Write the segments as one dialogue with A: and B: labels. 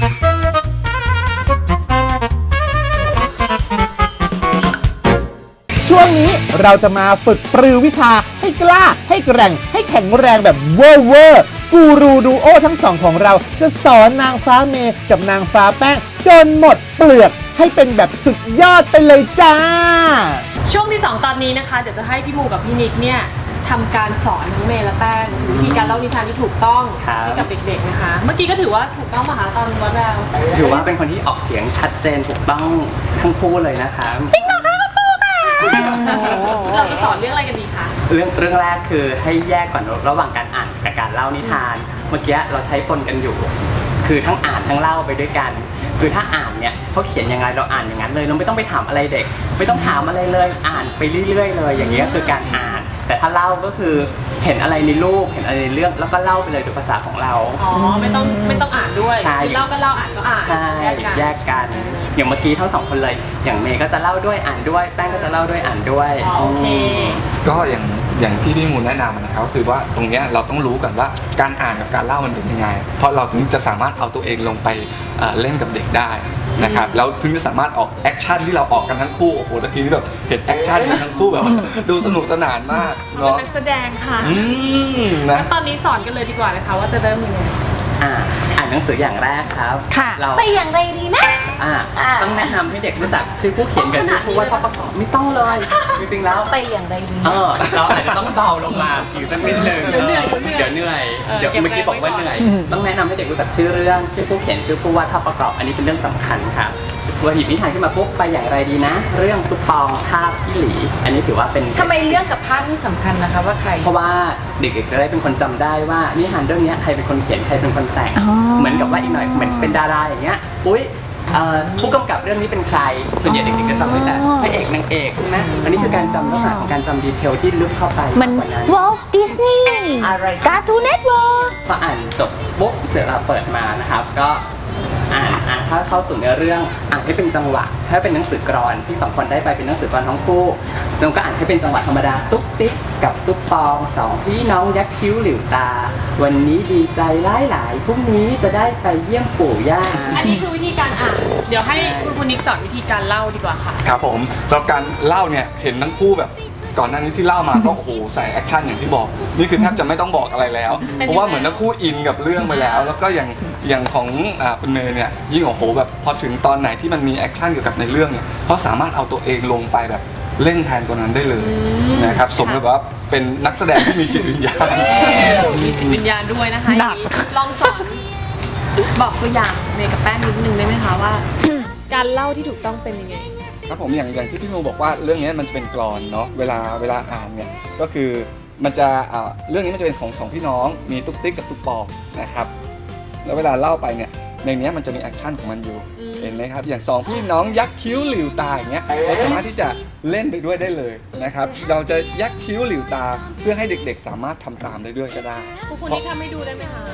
A: ช่วงนี้เราจะมาฝึกปรือวิชาให้กล้าให้แกร่งให้แข็งแรงแบบเวอร์กูรูดูโอทั้งสองของเราจะสอนนางฟ้าเมย์กับนางฟ้าแป้งจนหมดเปลือกให้เป็นแบบสุดยอดไปเลยจ้า
B: ช่วงที่ 2 ตอนนี้นะคะเดี๋ยวจะให้พี่มูกับพี่นิกเนี่ยทำการสอนทั้งเมย์และแป้งวิธีการเล่านิทานที่ถูกต้องให้กับเด็กๆนะคะเมื่อกี้ก็ถือว่าถูกต้องป่ะคะตอนวัดแล้ว
C: ถือว่าเป็นคนที่ออกเสียงชัดเจนถูกต้องทั้งคู่เลยนะคะ
B: จริงเหรอคะคุณปูค่ะเราจะสอนเรื่องอะไรกันดีคะ
C: เรื่องแรกคือให้แยกก่อนระหว่างการอ่านกับการเล่านิทานเมื่อกี้เราใช้ปนกันอยู่คือทั้งอ่านทั้งเล่าไปด้วยกันคือถ้าอ่านเนี่ยเขาเขียนยังไงเราอ่านอย่างนั้นเลยเราไม่ต้องไปถามอะไรเด็กไม่ต้องถามอะไรเลยอ่านไปเรื่อยๆเลยอย่างนี้คือการอ่านแต่ถ้าเล่าก็คือเห็นอะไรในรูปเห็นอะไรในเรื่องแล้วก็เล่าไปเลยโดยภาษาของเรา
B: อ๋อไม่ต้องอ่านด้วยเล่าก็เล่าอ่านก็อ่าน
C: ใช่แยกกันอย่างเมื่อกี้ทั้งสองคนเลยอย่างเมย์ก็จะเล่าด้วยอ่านด้วยแป้งก็จะเล่าด้วยอ่านด้วย
B: โอเค
D: ก็อย่างที่พี่มูลแนะนำนะครับคือว่าตรงนี้เราต้องรู้ก่อนว่าการอ่านกับการเล่ามันเป็นยังไงเพราะเราถึงจะสามารถเอาตัวเองลงไปเล่นกับเด็กได้นะครับแล้วถึงจะสามารถออกแอคชั่นที่เราออกกันทั้งคู่โอ้โหตะกี้นี่แบบเห็นแอคชั่นกันทั้งคู่แบบดูสนุกสนานมาก
B: เนาะเป็นนักแสดงค่ะ
D: นะ
B: ตอนนี้สอนกันเลยดีกว่านะคะว่าจะเริ่มยังไง
C: อ่านหนังสืออย่างแรกครับ
B: เราไปอย่างไรดีนะ
C: ต้องแนะนำให้เด็กรู้จักชื่อผู้เขียนกับชื่อผู้วาดภาพประกอบไม่ต้องเลยจริงๆแล้ว
B: ไปอย่างไรดี
C: เราอาจจะต้องเบาลงมาอยู่สักนิดนึงเดี๋ยวเหนื่อยเดี๋ยวเมื่อกี้บอกว่าเหนื่อยต้องแนะนำให้เด็กรู้จักชื่อเรื่องชื่อผู้เขียนชื่อผู้วาดภาพประกอบอันนี้เป็นเรื่องสำคัญครับหยิบนิทานขึ้นมาปุ๊บไปอย่างไรดีนะเรื่องตุ๊กปองภาพพี่หลีอันนี้ถือว่าเป็น
B: ทำไมเรื่องกับภาพนี่สำคัญนะคะว่าใคร
C: เพราะว่าเด็กๆจะได้เป็นคนจำได้ว่านิทานเรื่องนี้ใครเป็นคนเขียนใครเป็นคนแต่งเหมือนกับว่าอีกหน่อยเหมือนเป็นดาราอย่างเงี้ยอุ้ยผู้กำกับเรื่องนี้เป็นใครส่วนใหญ่เด็กๆจะจำได้แต่พระเอกนางเอกใช่ไหมอันนี้คือการจำลักษณะของการจำดีเทลที่ลึกเข้าไป
E: มัน Walt Disney
B: อะไร
E: Cartoon Network
C: พออ่านจบปุ๊บเสร็จแล้วเปิดมานะครับก็อ่านเข้าสู่เนื้อเรื่องอ่านให้เป็นจังหวะถ้าเป็นหนังสือกลอนที่สองคนได้ไปเป็นหนังสือกลอนทั้งคู่เราก็อ่านให้เป็นจังหวะธรรมดาตุ๊กติ๊กกับตุ๊กปองสองพี่น้องยักษ์คิ้วหลิวตาวันนี้ดีใจหลายพรุ่งนี้จะได้ไปเยี่ยมปู่ย่า
B: อันนี้คือวิธีการอ่านเดี๋ยวให้คุณนิกสอนวิธีการเล่าดีกว่าค่ะ
D: ครับผมสำหรับการเล่าเนี่ยเห็นทั้งคู่แบบก่อนหน้านี้ที่เล่ามาก็โอ้โหใส่แอคชั่นอย่างที่บอกนี่คือแทบจะไม่ต้องบอกอะไรแล้วเพราะว่าเหมือนทั้งคู่อินกับเรื่องไปแล้วแล้วก็อย่างของคุณเมย์เนี่ยยิ่งโอ้โหแบบพอถึงตอนไหนที่มันมีแอคชั่นเกี่ยวกับในเรื่องเนี่ยเขาสามารถเอาตัวเองลงไปแบบเล่นแทนตัวนั้นได้เลยนะครับสมกับว่าเป็นนักแสดงที่มีจิตวิญญาณ
B: มีจิตวิญญาณด้วยนะคะลองสอนบอกตัวอย่างเมย์กับแป้งนิดนึงได้ไหมคะว่าการเล่าที่ถูกต้องเป็นยังไง
D: ครับผมอย่างที่พี่โมบอกว่าเรื่องนี้มันจะเป็นกลอนเนาะเวลาอ่านเนี่ยก็คือมันจะเรื่องนี้มันจะเป็นของสองพี่น้องมีตุ๊กติ๊กกับตุ๊กปองนะครับแล้วเวลาเล่าไปเนี่ยในนี้มันจะมีแอคชั่นของมันอยู่เห็นไหมครับอย่างสองพี่น้องยักษ์คิ้วหลิวตาอย่างเงี้ยเราสามารถที่จะเล่นไปด้วยได้เลยนะครับเราจะยักษ์คิ้วหลิวตาเพื่อให้เด็กๆสามารถทำตามได้ด้วยก็ได้
B: คุณนี่ทำให้ดูได้ไหมคะ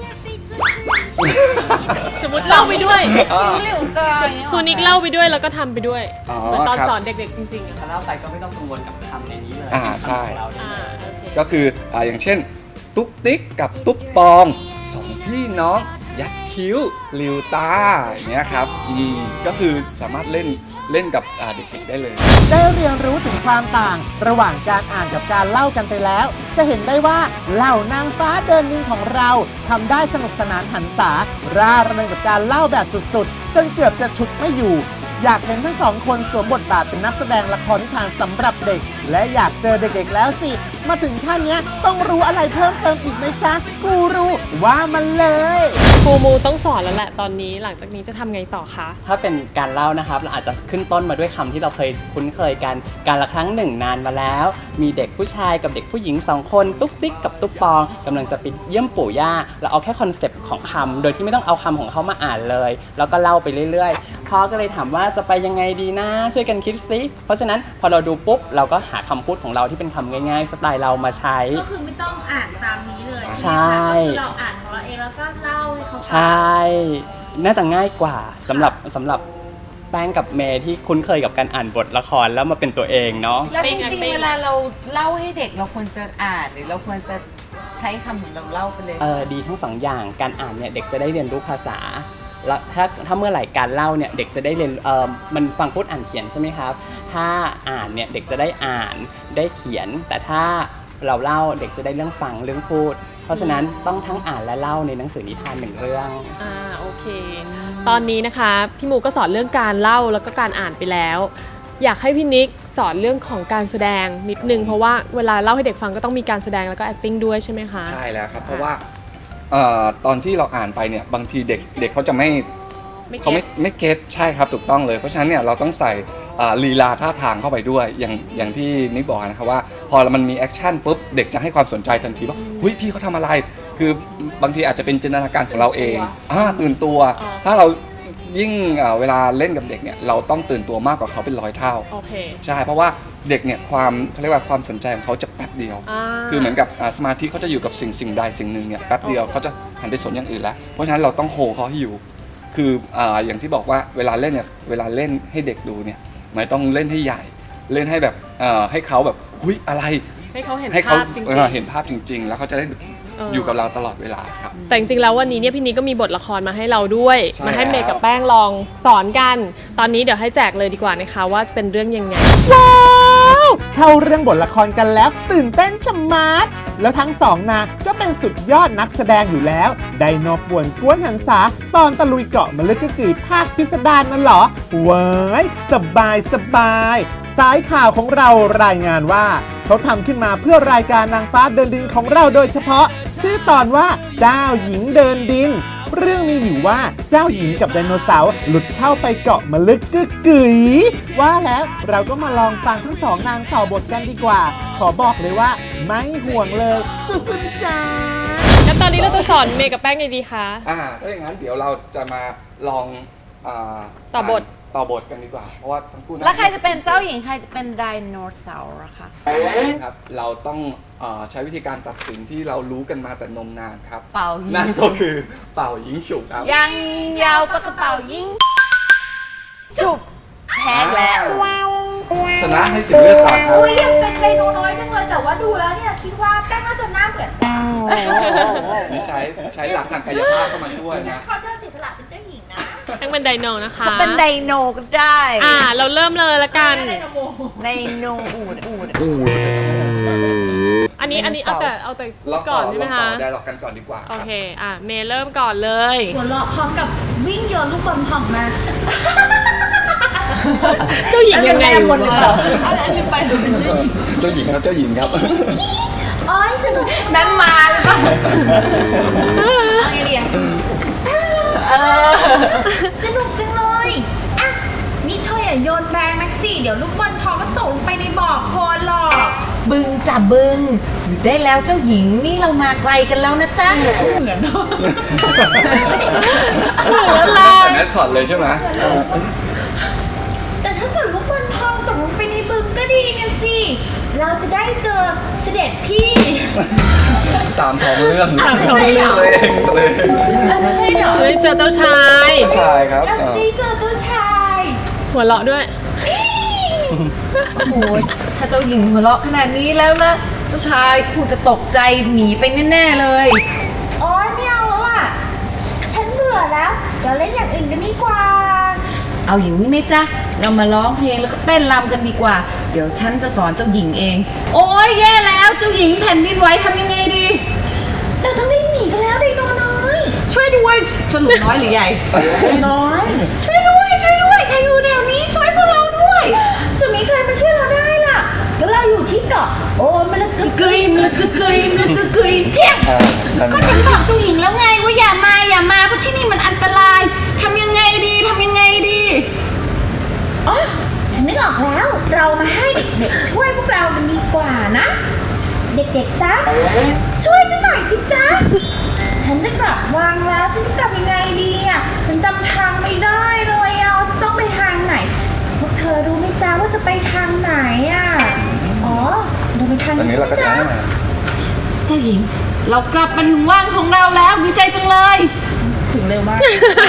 B: สมมติเล่าไปด้วยคุณนิกเล่าไปด้วยแล้วก็ทำไปด้วยเหมือนตอนสอนเด็กๆจริงๆ
C: ถ้าเล่าไปก็ไม่ต้องกังวลกับคำในนี้เลย
D: ใช่ก็คืออย่างเช่นตุ๊กติ๊กกับตุ๊กปองสองพี่น้องยักษ์คิ้วหลิวตาอย่างเงี้ยครับก็คือสามารถเล่นกับเด็กๆได้เลย
A: ได้เรียนรู้ถึงความต่างระหว่างการอ่านกับการเล่ากันไปแล้วจะเห็นได้ว่าเหล่านางฟ้าเดินดินของเราทำได้สนุกสนานหันษาร่าเริงกับการเล่าแบบสุดๆจนเกือบจะฉุดไม่อยู่อยากเห็นทั้งสองคนสวมบทบาทเป็นนักแสดงละครนิทานสำหรับเด็กและอยากเจอเด็กๆแล้วสิมาถึงขั้นนี้ต้องรู้อะไรเพิ่มเติมอีกไหมจ๊ะกูรู้ว่ามันเลย
B: ครูมูต้องสอนแล้วแหละตอนนี้หลังจากนี้จะทำไงต่อคะ
C: ถ้าเป็นการเล่านะครับเราอาจจะขึ้นต้นมาด้วยคำที่เราเคยคุ้นเคยกันการละครั้งหนึ่งนานมาแล้วมีเด็กผู้ชายกับเด็กผู้หญิง2คนตุ๊กติ๊กกับตุ๊กปองกำลังจะไปเยี่ยมปู่ย่าเราเอาแค่คอนเซปต์ของคำโดยที่ไม่ต้องเอาคำของเขามาอ่านเลยแล้วก็เล่าไปเรื่อยๆพ่อก็เลยถามว่าจะไปยังไงดีนะช่วยกันคิดซิเพราะฉะนั้นพอเราดูปุ๊บเราก็หาคำพูดของเราที่เป็นคำง่ายๆสไตล์เรามาใช้
B: ก็คือไม่ต้องอ่านตามนี้เลย
C: ใช่
B: เราอ่านของเราเองแล้วก็เล่าให้เขาฟัง
C: ใช่น่าจะง่ายกว่าสำหรับแป้งกับเมย์ที่คุ้นเคยกับการอ่านบทละครแล้วมาเป็นตัวเองเนาะ
E: แล้วจริงๆเวลาเราเล่าให้เด็กเราควรจะอ่านหรือเราควรจะใช้คำของเราเล่าไปเลย
C: ดีทั้งสองอย่างการอ่านเนี่ยเด็กจะได้เรียนรู้ภาษาแล้วถ้าเมื่อไหร่การเล่าเนี่ยเด็กจะได้เรียนมันฟังพูดอ่านเขียนใช่ไหมครับถ้าอ่านเนี่ยเด็กจะได้อ่านได้เขียนแต่ถ้าเราเล่าเด็กจะได้เรื่องฟังเรื่องพูดเพราะฉะนั้นต้องทั้งอ่านและเล่าในหนังสือนิทาน1เรื่อง
B: โอเคตอนนี้นะคะพี่หมูก็สอนเรื่องการเล่าแล้วก็การอ่านไปแล้วอยากให้พี่นิกสอนเรื่องของการแสดงนิดนึงเพราะว่าเวลาเล่าให้เด็กฟังก็ต้องมีการแสดงแล้วก็ acting ด้วยใช่ไหมคะ
D: ใช่แล้วครับเพราะว่าตอนที่เราอ่านไปเนี่ยบางทีเด็กเขาจะไม่เก็ตใช่ครับถูกต้องเลยเพราะฉะนั้นเนี่ยเราต้องใส่ลีลาท่าทางเข้าไปด้วยอย่างที่นิกบอกนะครับว่าพอมันมีแอคชั่นปุ๊บเด็กจะให้ความสนใจทันทีว่าเฮ้ยพี่เขาทำอะไรคือบางทีอาจจะเป็นจินตนาการของเราเองตื่นตัวถ้าเรายิ่งเวลาเล่นกับเด็กเนี่ยเราต้องตื่นตัวมากกว่าเขาเป็น100 เท่าใช่เพราะว่าเด็กเนี่ยเขาเรียกว่าความสนใจของเขาจะแป๊บเดียวคือเหมือนกับสมาธิเขาจะอยู่กับสิ่งใดสิ่งหนึ่งเนี่ยแป๊บเดียวเขาจะหันไปสนอย่างอื่นแล้วเพราะฉะนั้นเราต้องโฮเขาให้อยู่คืออย่างที่บอกว่าเวลาเล่นเนี่ยเวลาเล่นให้เด็กดูเนี่ยไม่ต้องเล่นให้ใหญ่เล่นให้แบบให้เขาแบบหุ้ยอะไร
B: ให้เขาเห็น
D: ภาพจริงๆแล้วเขาจะได้อยู่กับเราตลอดเวลาครับ
B: แต่จริงๆแล้ววันนี้เนี่ยพี่นิกก็มีบทละครมาให้เราด้วยมาให้เมย์กับแป้งลองสอนกันตอนนี้เดี๋ยวให้แจกเลยดีกว่านะคะว่าจะเป็นเรื่องยังไง
A: ว้าวเข้าเรื่องบทละครกันแล้วตื่นเต้นชะมัดแล้วทั้งสองนางก็เป็นสุดยอดนักแสดงอยู่แล้วไดโนป่วนกวนหันษาตอนตะลุยเกาะมะลึกกึ๋ยภาคพิสดารนั่นเหรอเว้ยสบายสายข่าวของเรารายงานว่าเขาทำขึ้นมาเพื่อรายการนางฟ้าเดินดินของเราโดยเฉพาะชื่อตอนว่าเจ้าหญิงเดินดินเรื่องมีอยู่ว่าเจ้าหญิงกับไดโนเสาร์หลุดเข้าไปเกาะมะลึกกึ๋ยว่าแล้วเราก็มาลองฟังทั้งสองนางต่อบทกันดีกว่าขอบอกเลยว่าไม่ห่วงเลยสุดๆจ้า
B: แล้วตอนนี้เราจะสอนเมย์กับแป้งไงดีคะ
D: ถ้าอย่างนั้นเดี๋ยวเราจะมาลอง
B: ต่อบท
D: กันดีกว่าเพราะว่าทั้งคู่
E: แล้วใครจะเป็นเจ้าหญิงใครจะเป็นไดโนเสาร์อะคะ
D: ครับเราต้องใช้วิธีการตัดสินที่เรารู้กันมาแต่นมนานครับ
E: เป่ายิง
D: นั่นก็คือเป่ายิงฉุบครับ
E: ยังยาวปะกระเป๋ายิงฉุบแพ้แล้ว
D: ชนะให้สิบเลือดต่อครับ
E: ยังเป็นไดโนน้อยจังเลยแต่ว่าดูแล้วเนี่ยคิดว่าแป้งน่าจะหน้าเหมือน
D: นี่ใช้หลักทางกายภาพเข้ามาช่วยนะ
E: เขาจะเสียสละเป็นเจ้าหญิงนะ
B: แป้งเป็นไดโนนะคะ
E: เป็นไดโนก็ได้
B: เราเริ่มเลยละกัน
E: ไดโนอูด
B: อันนี้เอาแต่ก่อนใช่ไหมคะ
D: ได้หลอกกันก่อนดีกว่า
B: โอเคเมย์เริ่มก่อนเลย
E: หัวเราะพร้อมกับวิ่งโยนลูกบอลผ่องมา
B: เจ้าหญิงยังไง
E: หมดเลยเหรอลืมไปหนูเป็น
D: เจ้าหญิงครับ
E: โอ้ยสนุกนั้นมาเลยป่ะเอาไงดีสนุกจังเลยนี่เธออย่าโยนแรงนักสิเดี๋ยวลูกบอลทองก็ตกลงไปในบ่อโคลนหรอกบึงจับบึงอยู่ได้แล้วเจ้าหญิงนี่เรามาไกลกันแล้วนะจ๊ะเหมือน
D: อะไรแมสคอตเลยใช่ไหม
E: แต่ถ้าเกิดลูกบอลทองตกลงไปในบึงก็ดีเนี่ยสิเราจะได้เจอเสด็จพี่
D: ตามท้องเรื่อง
E: เลยไม่ใช่เหรอ
B: เจอเจ้าชาย
D: ครับ
E: เราจะได้เจอเจ้าชาย
B: หัวเราะด้วย
E: โอ้โหถ้าเจ้าหญิงหัวเราะขนาดนี้แล้วนะเจ้าชายคงจะตกใจหนีไปแน่ๆเลยโอ๊ยไม่เอาแล้วอ่ะฉันเบื่อแล้วเดี๋ยวเล่นอย่างอื่นกันดีกว่าเอาอย่างนี้ไหมจ๊ะเรามาร้องเพลงแล้วก็เต้นรำกันดีกว่าเดี๋ยวฉันจะสอนเจ้าหญิงเองโอ๊ยแย่แล้วเจ้าหญิงแผ่นดินไหวทำยังไงดีเราต้องได้หนีกันแล้วไดโนน้อยช่วยด้วยสรุปน้อยหรือใหญ่น้อยช่วยด้วยใครอยู่แถวนี้ช่วยพวกเราด้วยจะมีใครมาช่วยเราได้ล่ะก็เราอยู่ที่เกาะโอ้มันละกึกยเพี้ยงก็ฉันบอกเจ้าหญิงแล้วไงว่าอย่ามาเพราะที่นี่มันอันตรายทำยังไงดีอ๋อฉันนึกออกแล้วเรามาให้เด็กๆช่วยพวกเรากันดีกว่านะเด็กๆจ๊ะช่วยฉันหน่อยสิจ๊ะฉันจะกลับวางแล้วฉันจะกลับยังไงดีอ่ะฉันจำทางไม่ได้เลยจะต้องไปทางไหนพวกเธอรู้ไหมจ๊ะว่าจะไปทางไหนอ่ะอ๋อเราไปทางนี้จ๊ะเจ้าหญิงเรากลับมาถึงว่างของเราแล้วดีใจจังเลยถึงเร็วมาก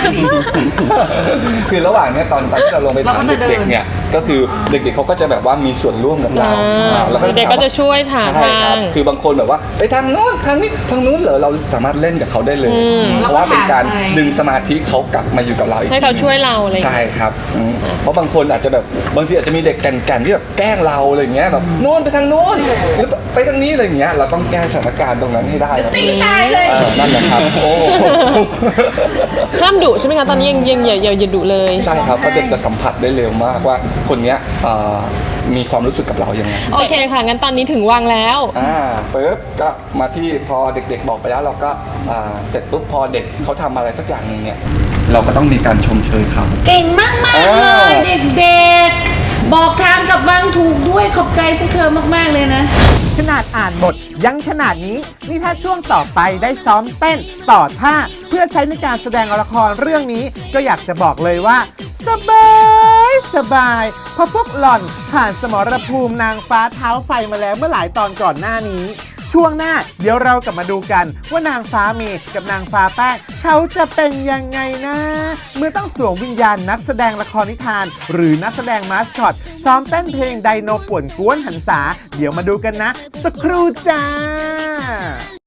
D: คือระหว่างเนี้ยตอนที่เราลงไปถาม
E: เราก็จะเดิน
D: เด็กๆเนี่ยก็คือเด็กๆเขาก็จะแบบว่ามีส่วนร่วมกับเราแล้ว
B: เด็กๆก็จะช่วยถาม
D: ใช่ครับ
B: ทาง
D: คือบางคนแบบว่าไปทางโน้นทางนี้ทางนู้นเหรอเราสามารถเล่นกับเขาได้เลย เพราะว่าเป็นการดึงสมาธิเขากลับมาอยู่กับเราอีก
B: ให้เขาช่วยเราอะไรอย่าง
D: ใช่
B: เงี้ย
D: ครับเพราะบางคนอาจจะแบบบางทีอาจจะมีเด็กแก่นๆที่แบบแกล้งเราอะไรอย่างเงี้ยแบบโน้นไปทางโน้นหรือไปทางนี้อะไรอย่างเงี้ยเราต้องแก้สถานการณ์ตรงนั้นให้ได้ครับ
E: ตีตายเลย
D: นั่นแหละครับโอ้
B: ห้ามดุใช่ไหมคะตอนนี้ยังอย่าดุเลย
D: ใช่ครับเพราะเด็กจะสัมผัสได้เร็วมากว่าคนเนี้ยมีความรู้สึกกับเรายังไง
B: โอเคค่ะงั้นตอนนี้ถึงวังแล้ว
D: ปุ๊บก็มาที่พอเด็กๆบอกไปแล้วเราก็เสร็จปุ๊บพอเด็กเขาทำอะไรสักอย่างหนึ่งเนี่ยเราก็ต้องมีการชมเชยเขา
E: เก่งมากเลยเด็กๆ บอกทางกับวังถูกด้วยขอบใจพวกเธอมากๆเลยนะ
A: ขนาดอ่านบทยังขนาดนี้นี่ถ้าช่วงต่อไปได้ซ้อมเต้นต่อท่าเพื่อใช้ในการแสดงละครเรื่องนี้ก็อยากจะบอกเลยว่า สบายเพราะพวกหล่อนผ่านสมรภูมินางฟ้าเท้าไฟมาแล้วเมื่อหลายตอนก่อนหน้านี้ ช่วงหน้าเดี๋ยวเรากลับมาดูกันว่านางฟ้าเมย์กับนางฟ้าแป้งเขาจะเป็นยังไงนะ เมื่อต้องสวมวิญญาณนักแสดงละครนิทาน หรือนักแสดงมาสคอตซ้อมเต้นเพลงไดโนป่วนกวนหันษาเดี๋ยวมาดูกันนะสักครู่จ้า